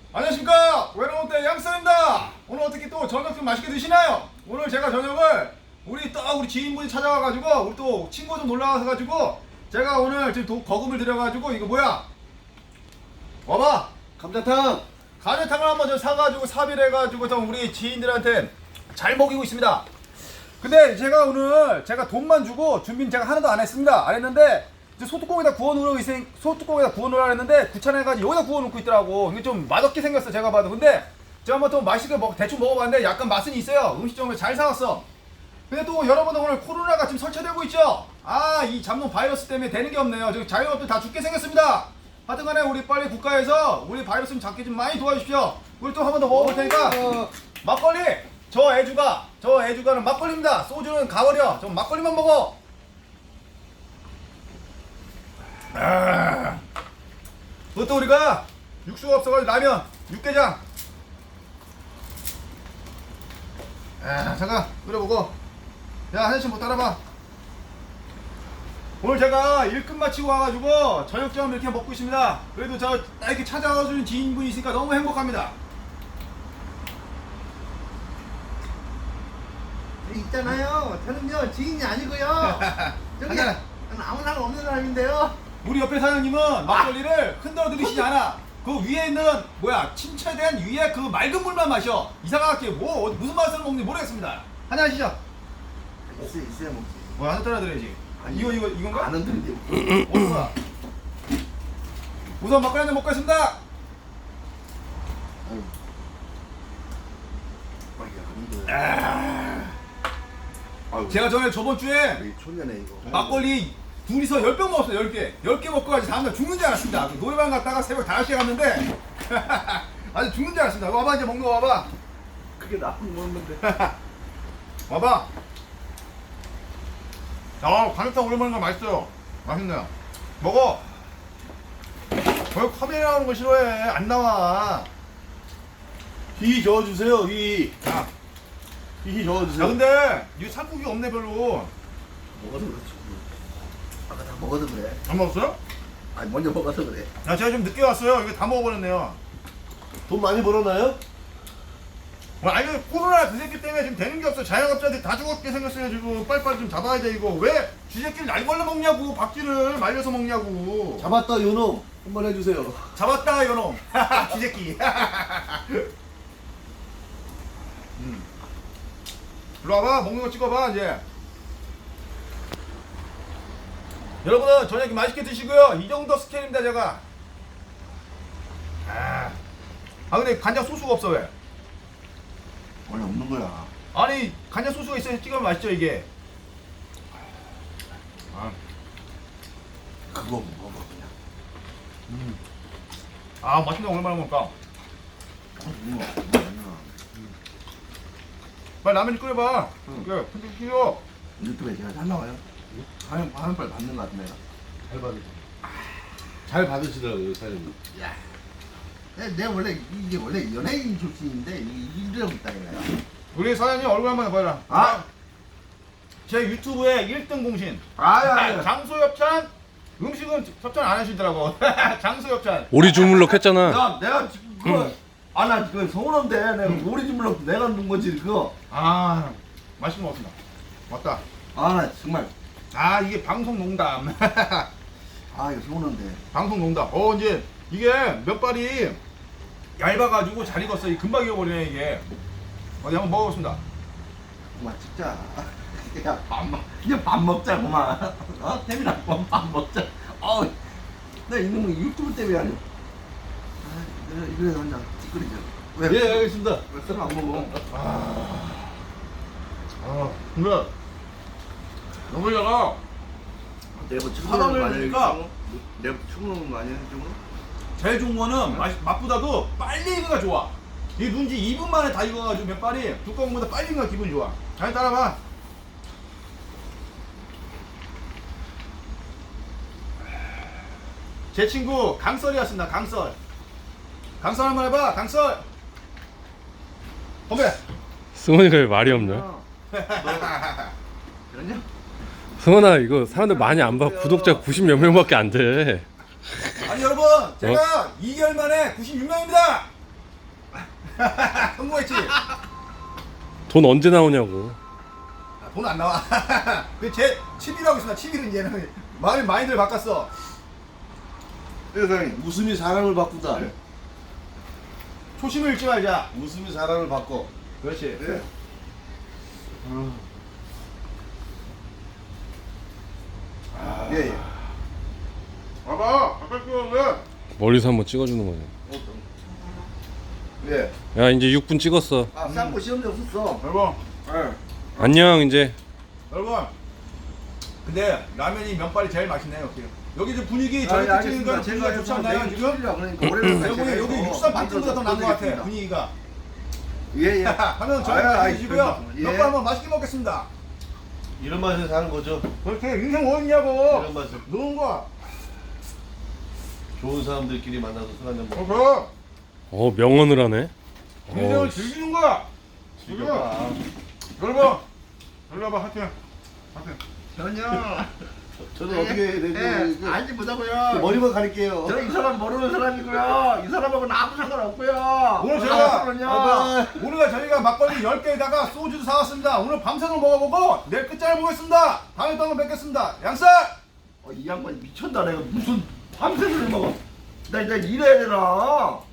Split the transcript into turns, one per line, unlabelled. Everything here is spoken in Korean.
안녕하십니까, 외로운때 양쌤입니다. 오늘 어떻게 또 저녁 좀 맛있게 드시나요? 오늘 제가 저녁을 우리 지인분이 찾아와가지고 우리 또 친구 좀 놀러와서가지고 제가 오늘 지금 거금을 들여가지고 이거 뭐야? 와봐.
감자탕.
가래탕을 한번 좀 사가지고 사비해가지고 좀 우리 지인들한테 잘 먹이고 있습니다. 근데 제가 오늘 돈만 주고 준비는 제가 하나도 안 했습니다. 안 했는데 이제 소뚜껑에다 구워놓으라 했는데 귀찮아가지고 여기다 구워놓고 있더라고. 이게 좀 맛없게 생겼어, 제가 봐도. 근데 제가 한번 또 맛있게 대충 먹어봤는데 약간 맛은 있어요. 음식점을 잘 사왔어. 근데 또 여러분들 오늘 코로나가 지금 설치되고 있죠. 이 잡놈 바이러스 때문에 되는 게 없네요. 지금 자영업들 다 죽게 생겼습니다. 하여튼간에 우리 빨리 국가에서 우리 바이러스 좀 잡게 좀 많이 도와주십시오. 우리 또 한 번 더 먹어볼 테니까. 막걸리. 저 애주가는 막걸리입니다. 소주는 가버려. 저 막걸리만 먹어. 그것도 우리가 육수가 없어가지고 라면, 육개장. 잠깐 끓여보고. 야, 한 잔씩 뭐 따라봐. 오늘 제가 일 끝마치고 와가지고 저녁점 이렇게 먹고 있습니다. 그래도 이렇게 찾아와주는 지인분이 있으니까 너무 행복합니다.
있잖아요. 저는요 지인이 아니고요. 저기 저는 아무 상관 없는 사람인데요.
우리 옆에 사장님은 막걸리를 흔들어 드리시지 않아. 그 위에 있는 침체된 위에 그 맑은 물만 마셔. 이상하게 무슨 맛을 먹는지 모르겠습니다. 한잔 하시죠.
있어야 먹지.
한잔 따라 드려야지.
아니,
이건가?
안 흔들리지.
어디가? 우선 막걸리 한잔 먹겠습니다.
아유. 안 흔들. 아유.
제가 저번 주에
우리 초년에 이거.
막걸리 둘이서 10병 먹었어요. 10개. 10개 먹고 가지 다음날 죽는 줄 알았습니다. 노래방 갔다가 새벽 5시에 갔는데 아주 죽는 줄 알았습니다. 와봐, 이제 먹는 거 와봐.
그게 나쁜 건데.
와봐. 가래탕 오랜만에 거 맛있어요. 맛있네요. 먹어. 왜 카메라 나오는 거 싫어해? 안 나와.
휘 저어주세요. 휘.
야,
저어주세요.
근데 이 살코기 없네 별로.
먹어서 그렇지. 아까 다 먹어서 그래.
안 먹었어요?
아니 먼저 먹어서 그래.
야, 제가 좀 늦게 왔어요. 이거 다 먹어버렸네요.
돈 많이 벌었나요?
아니, 코로나 그 새끼 때문에 지금 되는 게 없어. 자영업자들이 다 죽었게 생겼어요. 지금 빨리빨리 좀 잡아야 돼. 이거 왜 쥐새끼를 날걸러 먹냐고. 박쥐를 말려서 먹냐고.
잡았다 요놈. 한번 해주세요.
잡았다 요놈. 쥐새끼. 일로 와봐. 먹는 거 찍어봐 이제. 여러분은 저녁 맛있게 드시고요. 이 정도 스케일입니다 제가. 근데 간장 소스가 없어. 왜?
원래 없는 거야.
아니, 간장 소스가 있어야 찍으면 맛있죠 이게.
그거 먹어 그냥.
맛있네. 오랜만에 먹을까.
이거.
빨리 라면 좀 끓여봐. 그래, 근데 싫어.
유튜브에 제가 잘 나와요. 화면빨 받는 것 같네요.
잘 받으 잘 받으시더라고요 사장님.
야. 내가 원래 이게 원래 연예인 출신인데 이러고 있다 이거야.
우리 사장님 얼굴 한번 해봐라. 제 유튜브에 1등 공신. 장소협찬. 음식은 협찬 안 하시더라고. 장소협찬.
오리 주물럭 했잖아.
야, 내가 지금 그거 나 그거 서운한데 내가 오리 주물럭 내가 넣은 거지 그거.
맛있는 거 같습니다. 맞다.
나 정말
이게 방송 농담.
이거 서운한데.
방송 농담. 이제 이게 몇 발이 얇아가지고 잘 익었어. 금방 익어버리네 이게. 어디 한번 먹어보겠습니다.
그만 찍자. 야, 그냥 밥 먹자 그만. 태민아 밥 먹자. 나 이놈 유튜브 때문에 아니. 이거라도 한잔 찌끄리자. 왜?
예 알겠습니다.
왜 술 안 먹어?
근데 여기다가
내가 뭐
사람을 보니까
내가 충분한 거 아니야 이쪽으로?
제일 좋은 거는 맛보다도 빨리 익어가 좋아. 이 눈지 2분 만에 다 익어가지고 몇 발이 두꺼운 거보다 빨리 익어가 기분이 좋아. 잘 따라봐. 제 친구 강설이었습니다. 강설 한번 해봐. 강설. 건배.
승원이가 왜 말이 없냐?
그러냐?
승원아 이거 사람들 많이 안 봐. 구독자 90몇 명밖에 안 돼.
아니 여러분, 제가 2개월 만에 96명입니다. 성공했지.
돈 언제 나오냐고.
돈 안 나와. 그제 취미라고 있습니다. 취미는 이제는 마인드를 바꿨어.
예, 사장님.
웃음이 사람을 바꾼다.
네.
초심을 잃지 말자.
웃음이 사람을 바꿔.
그렇지.
예. 예, 예.
봐봐. 아까 왜?
멀리서 한번 찍어주는 거지.
예.
야 이제 6분 찍었어.
아, 쌍고 시험대 없었어.
여러분.
예.
안녕 이제.
여러분. 근데 라면이 면발이 제일 맛있네요. 여기 지금 분위기
아, 예,
저희
알겠습니다.
특징이니까 분위기가 좋지 않나요 지금?
그러니까 올해는
여기 육삼 빅등보다 더 나은 것 같아 분위기가.
예, 예.
하면 저희 드시고요. 면발 한번 맛있게 먹겠습니다.
이런 맛에 사는 거죠.
그렇게 인생 뭐 있냐고.
이런 맛에
노는 거야.
좋은 사람들끼리 만나서 술 한잔 먹어.
그럼
명언을 하네.
인생을 즐기는 거야.
즐겨봐.
여러분. 놀러봐 하여튼.
전혀.
저는 어떻게 해야 되지?
알지 못하고요.
머리만 가릴게요.
저 이 사람 모르는 사람이고요. 이 사람하고는 아무 상관없고요.
오늘 제가
그럼요.
오늘 저희가 막걸리 10개에다가 소주도 사왔습니다. 오늘 밤새도록 먹어보고 내일 끝장을 보겠습니다. 다음에 또 한번 뵙겠습니다. 양살!
이 양반 미쳤다. 내가 무슨 밤새를 먹어. 나 일해야 되나?